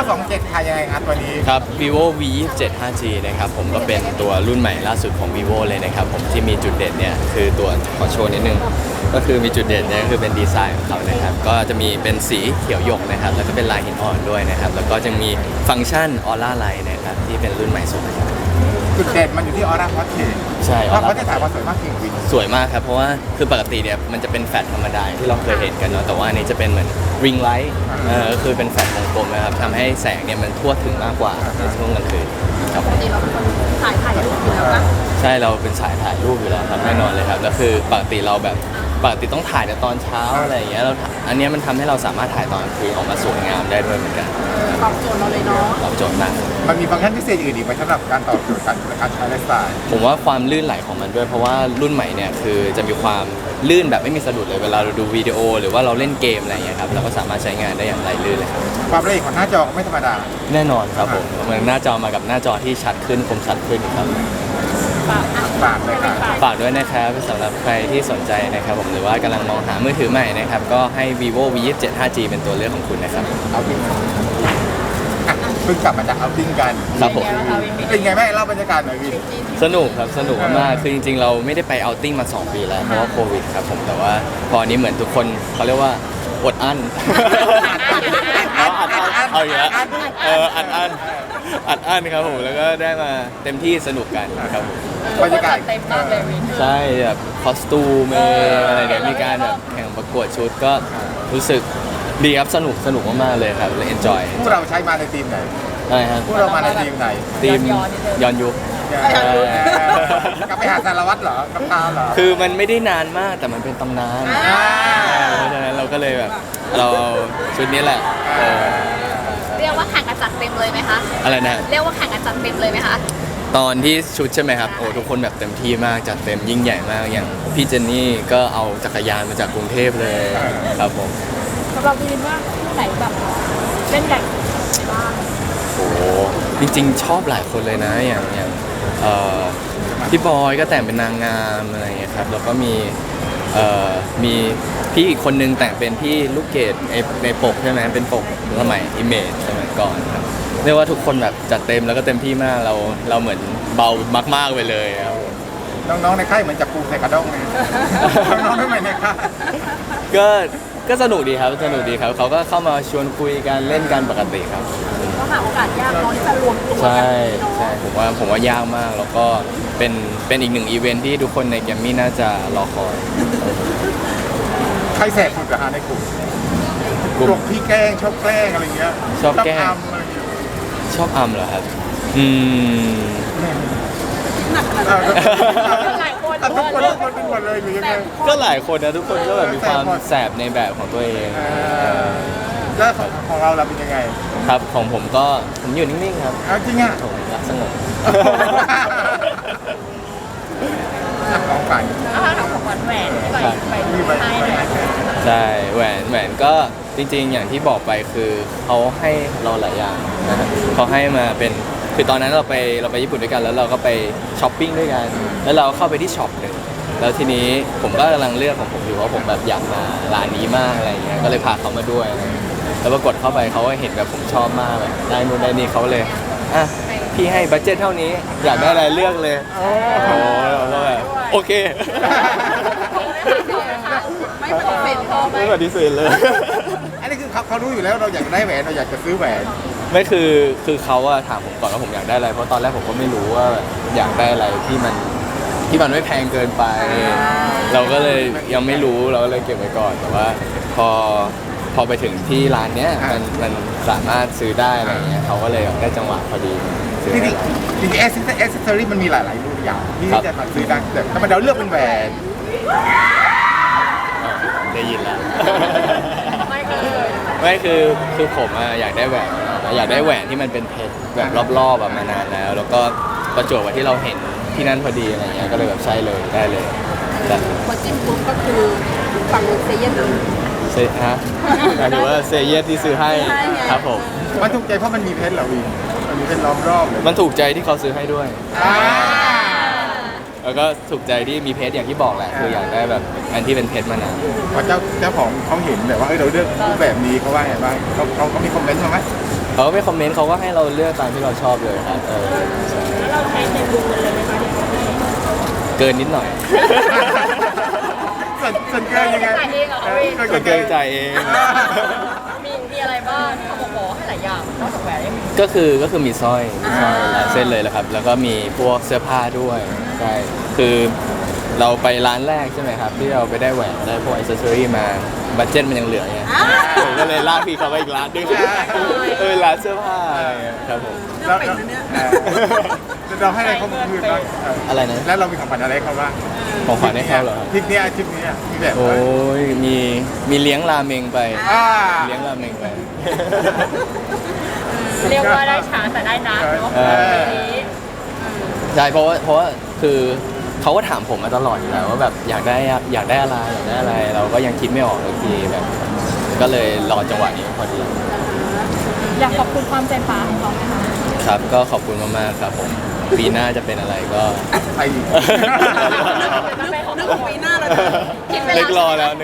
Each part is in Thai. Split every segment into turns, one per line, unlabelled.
27ค่ะยังไงครับตัวนี้
ครับ vivo v 2 7 5G นะครับผมก็เป็นตัวรุ่นใหม่ล่าสุดของ vivo เลยนะครับผมที่มีจุดเด่นเนี่ยคือตัวขอโชว์นิดนึงก็คือมีจุดเด่นเนี่ยคือเป็นดีไซน์ของเขานะครับก็จะมีเป็นสีเขียวหยกนะครับแล้วก็เป็นลายหินอ่อนด้วยนะครับแล้วก็จะมีฟังก์ชันออร่าไลท์นะครับที่เป็นรุ่นใหม่สุดนะครับ
จุดเด่นมันอยู่ที่ออร่าพอสเทน
ใช่
เพราะที่ถ่ายมาสวยมากจริง
สวยมากครับเพราะว่าคือปกติเนี่ยมันจะเป็นแฟลชธรรมดาที่เราเคยเห็นกันเนาะแต่ว่าอันนี้จะเป็นเหมือนริงไลท์คือเป็นแฟลชวงกลมนะครับทำให้แสงเนี่ยมันทั่วถึงมากกว่าในช่วงกลางคืนครับ
ปกติเราเป็นคนถ่ายรูปอยู่แล้วนะ
ใช่เราเป็นสายถ่ายรูปอยู่แล้วครับแน่นอนเลยครับแล้วคือปกติเราแบบปกติต้องถ่ายในตอนเช้าอะไรอย่างเงี้ยเราอันเนี้ยมันทำให้เราสามารถถ่ายตอนกลางคืนออกมาสวยงามได้ด้วยเหมือนกัน
ตอบโจทย์เราเลยเนาะ
ตอบโจทย์มาก
ๆมันมีฟังก์ชันพิเศษอื่นอีกไหมสำหรับการตอบโจทย์การใช้ไลฟ์สไตล์
ผมว่าความลื่นไหลของมันด้วยเพราะว่ารุ่นใหม่เนี่ยคือจะมีความลื่นแบบไม่มีสะดุดเลยเวลาเราดูวิดีโอหรือว่าเราเล่นเกมอะไรอย่างเงี้ยครับเราก็สามารถใช้งานได้อย่างไหลลื่นเลยครับ
ความละเอียดของหน้าจอก็ไม่ธรรมดา
แน่นอนครับผมเหมือนหน้าจอมากับหน้าจอที่ชัดขึ้นคมชัดขึ้นครับ
ฝากเลยค่ะ
ฝากด้วยนะครับสำหรับใครที่สนใจนะครับผมหรือว่ากำลังมองหามือถือใหม่นะครับก็ให้ vivo v 2 7 5G เป็นตัวเลือกของคุณนะครับ
เอาติ้งเพิ่งกลับมาจากเอาติ้งกัน
ครับผม
เป็นไงแม่เล่าบรรยากาศหน่อยวิน
สนุกครับสนุกมากๆคือจริงๆเราไม่ได้ไปเอาท์ติ้งมา2 ปีแล้วเพราะว่าโควิดครับผมแต่ว่าพอนี้เหมือนทุกคนเขาเรียกว่าอดอั้นเอาอยู่แล้วอัดอั้นครับผมแล้วก็ได้มาเต็มที่สนุกกันครับผม
บรรยากาศ
เต็มมากเลยวิน
ใช่แบบคอสตูมอะไรเนี่ยมีการแบบแข่งประกวดชุดก็รู้สึกดีครับสนุกมากๆเลยครับเลยเอนจอย
พวกเราใช้มาในทีมไหน
ใช่ครับ
พวกเรามาในทีมไหน
ทีมย้อนยุค
กลับไปหาสารวัตรเหรอกับตาเหรอ
คือมันไม่ได้นานมากแต่มันเป็นตำนานเพราะฉะนั้นเราก็เลยแบบเราเอาชุดนี้แหละ
เรียกว่าแข่งกันจัดเต็มเลยไหมคะ
อะไรนะ
เรียกว่าแข่งกันจัดเต็มเลยไหมคะ
ตอนที่ชุดใช่ไหมครับโอ้ทุกคนแบบเต็มที่มากจัดเต็มยิ่งใหญ่มากอย่างพี่เจนนี่ก็เอาจักรยานมาจากกรุงเทพเลยครับผม
สำหรับวินว่าที่ไหนแบบเล่นใหญ่บ้าง
โอ้จริงๆชอบหลายคนเลยนะอย่างพี่บอยก็แต่งเป็นนางงามอะไรอย่างเงี้ยครับแล้วก็มีพี่อีกคนนึงแต่งเป็นพี่ลูกเกดในปกใช่ไหมเป็นปกสมัยอิมเมจสมัยก่อนครับเรียกว่าทุกคนแบบจัดเต็มแล้วก็เต็มที่มากเราเหมือนเบามากๆไปเลยครับ
น้องๆในค่ายเหมือนจับปูใส่กระด้งเลยน้องๆทำไมในค่าย
ก็สนุกดีครับสนุกดีครับเขาก็เข้ามาชวนคุยกันเล่นกันปกติครับ
ก็หาโอกาสยากเนาะที่จะรวมตัว
ใช่
กันเนาะ
ใช่ผมว่ายากมากแล้วก็เป็นอีกหนึ่งอีเวนท์ที่ทุกคนในแกรมมี่น่าจะรอคอย
ใครแสบสุดเหรอฮะในกลุ่มกลุ่มพี่แกล้งชอบแกล้งอะไรเงี้ย
ชอบแกล้ง
ทำอะไรเงี้ย
ชอบอัมเหรอครับ
หลายคน
ทุกคนทุกคนเลยหรือยังไง
ก็หลายคนนะทุกคนก็แบบมีความแสบในแบบของตัวเอง
แล้วของเราเป็นยังไง
ครับของผมก็ผมอยู่นิ่งๆครับ
เอาจริงอ่ะ
ผมรักสงบ
ของฝัน
นะคะทำของแหวนไปให้เลย
ใช่แหวนก็จริงๆอย่างที่บอกไปคือเขาให้เราหลายอย่างนะฮะเขาให้มาเป็นคือตอนนั้นเราไปญี่ปุ่นด้วยกันแล้วเราก็ไปช้อปปิ้งด้วยกันแล้วเราเข้าไปที่ช็อปหนึ่งแล้วทีนี้ผมก็กำลังเลือกของผมอยู่ว่าผมแบบอยากมาร้านนี้มากอะไรเงี้ยก็เลยพาเขามาด้วยอะไรเงี้ยแล้วปรากฏเข้าไปเขาก็เห็นแบบผมชอบมากแบบได้นู่นได้นี่เขาเลยอ่ะพี่ให้บัดเจ็ตเท่านี้อยากได้อะไรเลือกเลยโอ้โหเราก็แบบโอเค
ไม่ปฏิเสธพอไหม
ไม่ปฏิเสธเลย
อันนี้คือเขารู้อยู่แล้วเราอยากได้แหวนเราอยากจะซื้อแหวน
ไม่คือเขาอะถามผมก่อนว่าผมอยากได้อะไรเพราะตอนแรกผมก็ไม่รู้ว่าอยากได้อะไรที่มันไม่แพงเกินไป เราก็เลยยังไม่รู้เราก็เลยเก็บไว้ก่อนแต่ว่าพอไปถึงที่ร้านเนี้ยมันสามารถซื้อได้อะไรเงี้ยเขาก็เลยได้จังหวะพอดีซื้อ
จริง
ให้
จริงแอสเซอรี่มันมีหลายรุ่นอย่างที่จะมาซื้อได้แต่ทำไมเราเลือกเป็นแหวน
ได้ยินแล้ว
ไม่เคย
ไม่คือผมอะอยากได้แหวนอยากได้แหวนที่มันเป็นเพชรแบบรอบๆแบบมานานแล้ว แล้วก็ประจวบกับที่เราเห็นที่นั่นพอดีอะไรเงี้ยก็เลยแบบใช่เลยได้เลยแต่
พอจิ้มปุ๊บก็คือฝั่งเซเยนเลย
เซฮะหมายถึงว่าเซเยสที่ซื้อให้ครับผม
มันถูกใจเพราะมันมีเพชรเหรอวินมันมีเพชรล้อมรอบเลย
มันถูกใจที่เขาซื้อให้ด้วย
อ่า
แล้วก็ถูกใจที่มีเพชรอย่างที่บอกแหละคืออยากได้แบบอันที่เป็นเพชรมานาน
พอเจ้าของเขาเห็นแบบว่าเราเลือกรูปแบบนี้เขาว่าไงบ้างเขามีคอมเมนต์มาไหม
เขาก็ไม่คอมเมนต์เขาก็ให้เราเลือกตามที่เราชอบเลยครับใช่
แล้วเราใช้ในบุญเลยไหมคะที่เขาให้
เกินนิดหน่อย
ส่วนเกินยังไง
จ่ายเองเหรอคะพี่
ก็เกินใจเอง
มีอะไรบ้างที่เขาบอกให้หลายอย่างนอกจากแหวนยังมี
ก็คือมีสร้อยหลายเส้นเลยแหละครับ แล้วก็มีพวกเสื้อผ้าด้วยใช่คือเราไปร้านแรกใช่ไหมครับ ที่เราไปได้แหวนได้พวกอิสเซอรี่มาบัตเจ็ตมันยังเหลือไงผมก็เลยลากพี่เขาไปอีกร้านนึงร้านเสื้อผ้าอะไรเงี้ยครับผม
แล้วเราให้อะไรเขาคืนบ้าง
อะไรนะ
แล้วเรามีของขวัญอะไรให้เขาบ้าง
ของขวัญให้เขาเหรอครับ
ทริปเนี้ยมีแบบ
โอ้ยมีเลี้ยงราเมงไป
อ่า
เลี้ยงราเมงไป
เรียกว่าได้ช้าแต่ได้นานเนาะ
เออ
ปีนี้
ใช่เพราะว่าคือเขาก็ถามผมมาตลอดอยู่แล้วว่าแบบอยากได้อะไรอยากได้อะไร เราก็ยังคิดไม่ออกเลยทีแบบ ก็เลยรอจังหวะนี้พอดี
อยากขอบคุณความใจป่าของเขาไหมคะ
ครับก็ขอบคุณมากๆครับผมปีหน้าจะเป็นอะไรก็
ไปอีก
นึกถึงปีหน้าเลยคิดไปแล้ว
นึกรอแล้ว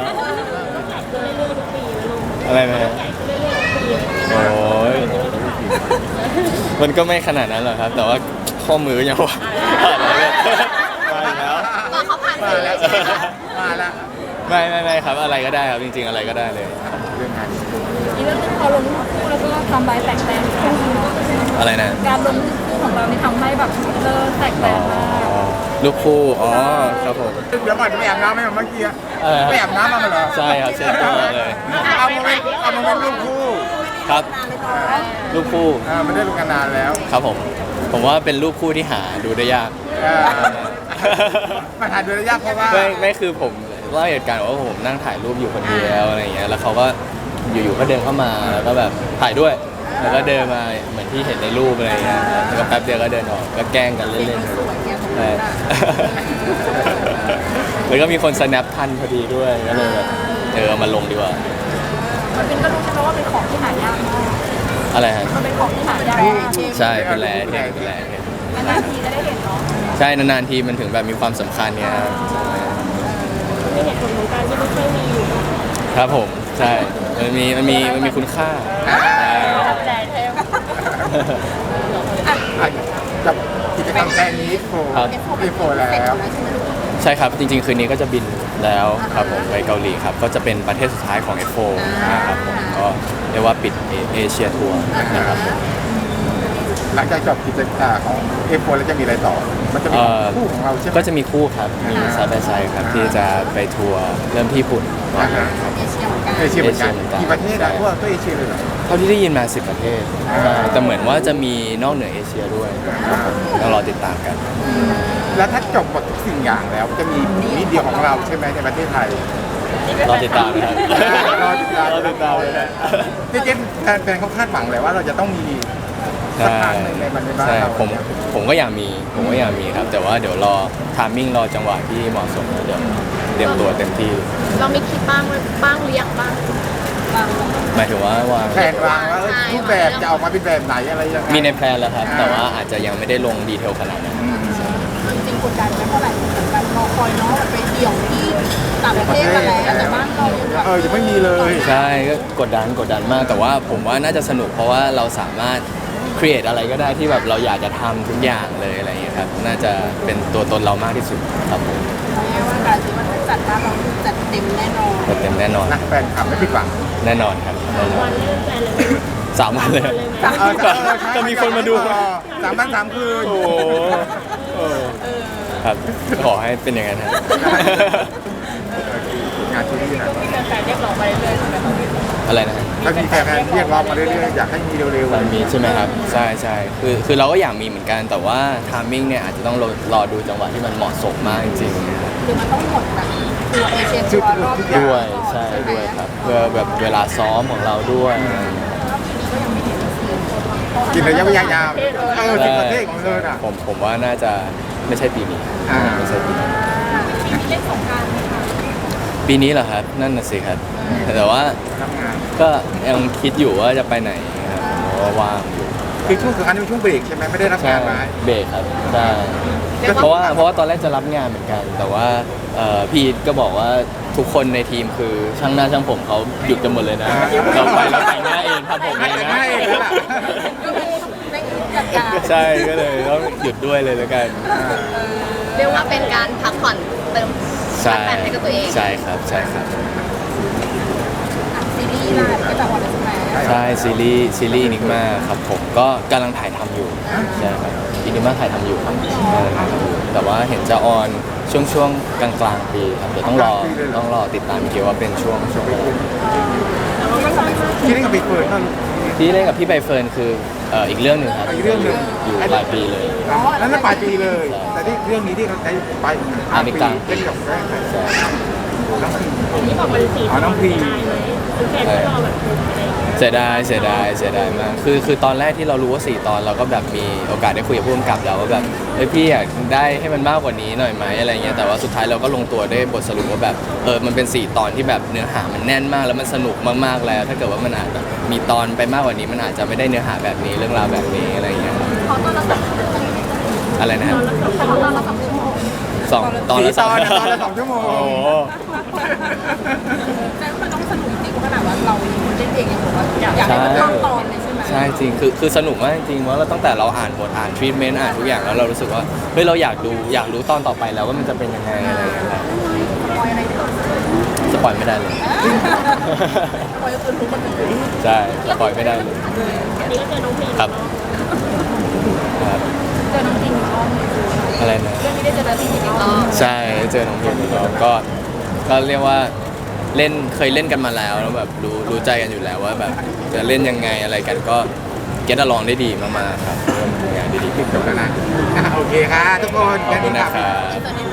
อะไรนะโอ้ยมันก็ไม่ขนาดนั้นหรอกครับ แต่ว่าข้อมือยังว่ามาแล้ว
ตอนเขาผ่าน
มา
สื่อ
แล้ว
ใช่ไหมคะ
มาแล้ว
ไม่ครับอะไรก็ได้ครับจริงๆอะไรก็ได้เลย
เรื่องงาน
อีกเรื่องนึงพอลงรูปคู่แล้วก็ทำใบแตกแตนช่วงนี้เนาะ
อะไรนะ
การลงรูปคู่ของเรานี่ทำให้แบบเลิกแตกแตนมาก
ลูกคู่ครับผม
เดี๋ยวก่อนจะไปอาบน้ำไหมเมื่อกี้
อะไรครับ
ไปอาบน้ำมาเหรอ
ใช่ครับเช็ดตัวเลย
เอามาเป็นรูปคู่
ครับรูปคู่
มันได้รู้กันนานแล้ว
ครับผมว่าเป็นรูปคู่ที่หาดูได้ยาก
มาถ่ายโดยระยะเพราะว่า
ไม่คือผมเล่าเหตุการณ์ว่าผมนั่งถ่ายรูปอยู่คนเดียวอะไรอย่างเงี้ยแล้วเขาก็อยู่ๆก็เดินเข้ามาแล้วก็แบบถ่ายด้วย แล้วก็เดินมาเหมือนที่เห็นในรูปอะไรอย่างเงี้ยแล้วก็แป๊บเดียวก็เดินออกก็แกล้งกันเล่นๆใช่แล้วก็มีคน snap ทันพอดีด้วยก็เลยแบบเอามาลงดีกว่า
มันเป็นก็รู้ใช่ไหมว่าเป็นของที่หายากมาก
อะไรฮะ
มันเป็นของที่หายากมาก
ใช่เป็นแลนด์เป็นแลนด์
นานๆทีจะได้เห็นเนาะ
ใช่นานๆทีมันถึงแบบมีความสำคัญเนี่ย
มีเหตุผลของการที่ไม่ค่อยมีอยู่
ครับผมใช่มันมีคุณค่า
ตัดใจเทม
กับกิจกรรมแฟนนี้โฟ
ครับ
โฟแล้ว
ใช่ครับจริงๆคืนนี้ก็จะบินแล้วครับผมไปเกาหลีครับก็จะเป็นประเทศสุดท้ายของ F4 นะครับผมก็เรียกว่าปิดเอเชียทัวร์นะครับ
หลังจากจบกิจกรรมของเอฟโฟแล้วจะมีอะไรต่อ มันจะมีคู่ของเราใช่ไหม
ก็จะมีคู่ครับมีไซด์บายไซด์ครับที่จะไปทัวร์เริ่มที่ญี่ปุ่นก่อน
เอเชียเหมือนกันกี่ประเทศอะทั่วเอเชียเลยเหรอ
เท่าที่ได้ยินมา10 ประเทศใช่แต่เหมือนว่าจะมีนอกเหนือเอเชียด้วยครับผมต้องรอติดตามกัน
แล้วถ้าจบหมดทุกสิ่งอย่างแล้วจะมีนิดเดียวของเราใช่ไหมในประเทศไทย
รอติดตามนะครับ
รอติดตาม
รอติดตามเลยนะ
ที่เจนแฟนเขาคาดหวังเลยว่าเราจะต้องมีสัก
ใช่
ครั้งหนึ่งในบ้าน
ใช่
เรา
ผมก็อยากมีครับ แต่ว่าเดี๋ยวรอทามมิ่งรอจังหวะที่เหมาะสมแล้วเดี๋ยวเตรียมตัวเต็มที่
เรามีคิดบ้างหรือยังบ้าง
หมายถึงว่าวาง
แผนวางว่ารูปแบบจะออกมาเป็นแบบไหนอะไรยังไง
มีในแพลนแล้วครับ แต่ว่าอาจจะยังไม่ได้ลงดีเทลขนาดนั้น
จริงๆกดดันไม่เท่าไหร่เหมือนกันรอคอยเนาะไปเดี่ยวที่ต่างประเทศมาแล้วแต่บ้านเรายังแบบ
ยังไม่มีเลย
ใช่ก็กดดันมาก แต่ว่าผมว่าน่าจะสนุกเพราะว่าเราสามารถครีเอทอะไรก็ได้ที่แบบเราอยากจะทำทุกอย่างเลยอะไรอย่างเงี้ยครับน่าจะเป็นตัวตนเรามากที่สุดครับผม
เรียกว่าการที่ว่าจัดบ้านเราจัดเต็มแน่นอน
เต็มแน่นอน
นะแฟนคลับไม่ผิดหวัง
แน่นอนครับแน่นอน
วันเล่นแฟนเลย
3 วันเลย จะมีคนมาดู
3 คืน
โอ้โหครับขอให้เป็นอย่างนั้นครับ
งานที่นี่นะ
แฟนเรียกร้องมาเรื่อยๆใช่ไหมคะ
อะไรนะ
ถ้ามีแฟนเรียกร้องมาเรื่อยๆอยากให้มีเร็ว
มันมีใช่ไหมครับใช่คือเราก็อยากมีเหมือนกันแต่ว่าทามมิ่งเนี่ยอาจจะต้องรอดูจังหวะที่มันเหมาะสมมากจริง
หรือมันต้องหมดแบบตัวเอเชีย
ๆ
ทัวร์รอบ
ทุกอ
ๆ
ย่าง
ด้วยใช่ด้วยครับเพื่อแบบเวลาซ้อมของเราด้วยอะไรอย่างเงี้ย
กินระยะเวลายาว10 ประเทศของเธอน่ะ
ผมว่าน่าจะไม่ใช่ปีนี้
อ่า
ไม่ใช่ปีนี้
ปีนี้เล่นสงกรานต์ไหมคะ
ปีนี้เหรอครับนั่นน่ะสิครับ แต่ว่า
ทำงาน
ก็ยังคิดอยู่ว่าจะไปไหนครับเพราะว่าว่างอยู่
คือช่วงสงกรานต์เป็นช่วงเบรกใช่ไหมไม่ได้รับ
ใช่
งานมา
เบรกครับใช่เพราะว่าตอนแรกจะรับงานเหมือนกัน แต่ว่าพี่อีทก็บอกว่าทุกคนในทีมคือช่างหน้าช่างผมเขาหยุดกันหมดเลยนะเราไปเราแต่งหน้าเองทำผมเอง
แต่งห
นะ
น้าเองแล้วล่ะ
ก็คือไม่จัดการ
ใช่ก็เลยต้องหยุดด้วยเลยแล้วกัน
เรียกว่าเป็นการพักผ่อนเติม
ใช่
แต่งให้กับตัวเอง
ใช่ครับใช่ครับ
ซีรีส์ล่ะก็จะออนแล้วใช่ไหม
ใช่ซีรีส์นิกมาครับผมก็กำลังถ่ายทำอยู่ใช่ครับอินิมาถ่ายทำอยู่ครับกำลังถ่ายทำอยู่แต่ว่าเห็นจะออนช่วงกลางๆปีครับเดี๋ยวต้องรอติดตามเกี่ยวว่าเป็นช่วงอะไร
ที่เล่นกับไปเฟิร์นนั่น
ที่เล่นกับพี่ใบเฟิร์นคืออีกเรื่องหนึ่งครับ
อีกเรื่องหนึ่ง
อยู่ปลายปีเลย
นั่นน่ะปลายปีเลย แต่ที่เรื่องนี้ที่เขาใช้ไป
อันนี้กลาง
เล่นกับแกล้ง
ใช่
น้องพี
นี่บอกมันสี
อ๋อน้องพี
คือแฟนก็รอแบบอะไรอย่างเงี้ย
เสียดายมากคือตอนแรกที่เรารู้ว่า4 ตอนเราก็แบบมีโอกาสได้คุยกับผู้กำกับแล้วว่าแบบเฮ้ยพี่อยากได้ให้มันมากกว่านี้หน่อยไหมอะไรเงี้ยแต่ว่าสุดท้ายเราก็ลงตัวได้บทสรุปว่าแบบมันเป็น4 ตอนที่แบบเนื้อหามันแน่นมากแล้วมันสนุกมากๆแล้ว ถ้าเกิดว่ามันอาจจะมีตอนไปมากกว่านี้มันอาจจะไม่ได้เนื้อหาแบบนี้เรื่องราวแบบนี้อะไรเงี้ย
ขอต้อนรับ
อะไรนะครับ
ขอต้อนรับ2 ชั่วโมง
ตอนละ
ตอนละ2 ชั่วโมง
โอ้โห
แต่มันต้องสนุกจริงขนาดว่าเราเล่นเองยังบอกว่าอยากให้มันเข้าตอนเลยใช่ไหม
ใช่จริงคือสนุกมากจริงว่าเราตั้งแต่เราอ่านบทอ่านทรีทเมนต์อ่านทุกอย่างแล้วเรารู้สึกว่าเฮ้ยเราอยากรู้ตอนต่อไปแล้วว่ามันจะเป็นยังไงอะไรอย่างเงี้ยครับ
ปอยอะไรที่เรา
สปอยไม่ได้เลย
ปอยก็คือรู้มันเลย
ใช่สปอยไม่ได้เลย
อันนี้ก็เจอน้องพี
ครับครับ
เจอน้องจริงอีกรอบหนึ่ง
อะไรนะ
เรื่องนี้ได้เจอน้องจริงอีกรอบ
ใช่เจอน้องพิมพ์แล้วก็เรียกว่าเคยเล่นกันมาแล้วแล้วแบบรู้ใจกันอยู่แล้วว่าแบบจะเล่นยังไงอะไรกันก็เก็ตลองได้ดีมากๆครับร่วมงานได้ดีขึ้น
จบแล้วนะโอเคค่ะทุกคน
ขอบคุณนะครับ
ตอนนี้